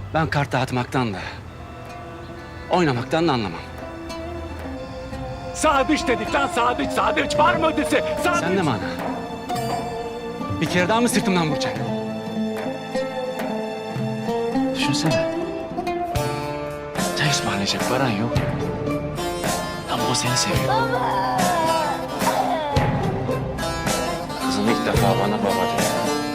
Ben kart dağıtmaktan da, oynamaktan da anlamam. Sadıç dedik lan, Sadıç, Sadıç. Var mı ötesi? Sadıç. Sen de mi ana? Bir kere daha mı sırtımdan vuracaksın? Düşünsene. Çay ısmarlayacak paran yok. Ama o seni seviyor. Kızım ilk defa bana baba diyor.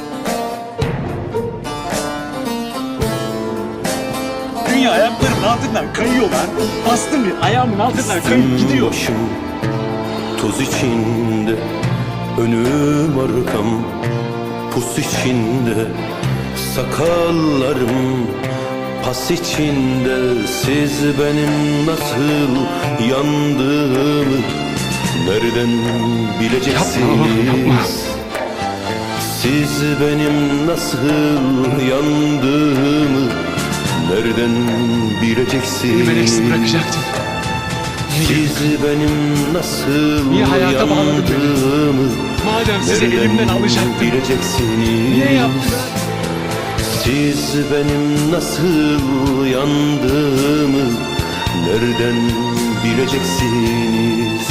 Dünya ayaklarımın altından kayıyor lan. Bastım bir ayağımın altından kayıp gidiyor. Başım toz içinde, önüm arkam pus içinde, sakallarım pas içinde. Siz benim nasıl yandığımı nereden bileceksiniz? Siz benim nasıl yandığımı nereden bileceksiniz? Beni eksik bırakacaktın. Siz benim nasıl Niye hayata bağladın beni? yandığımı Madem sizi nereden elimden alacaktın. bileceksiniz? Niye yaptın? Siz benim nasıl yandığımı nereden bileceksiniz?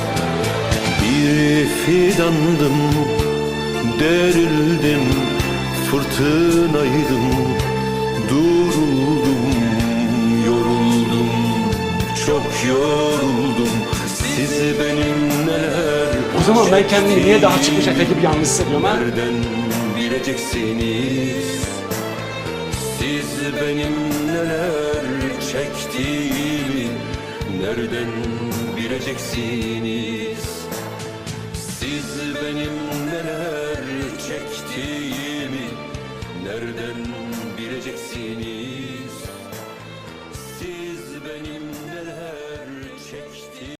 Bir fidandım, derildim, fırtınaydım, duruldum, yoruldum, çok yoruldum. Siz benim neler O zaman ben kendimi niye daha çıkmış Efe gibi yalnız hissediyorum ha? nereden bileceksiniz? Siz benim neler çektiğimi nereden bileceksiniz? Siz benim neler çektiğimi nereden bileceksiniz? Siz benim neler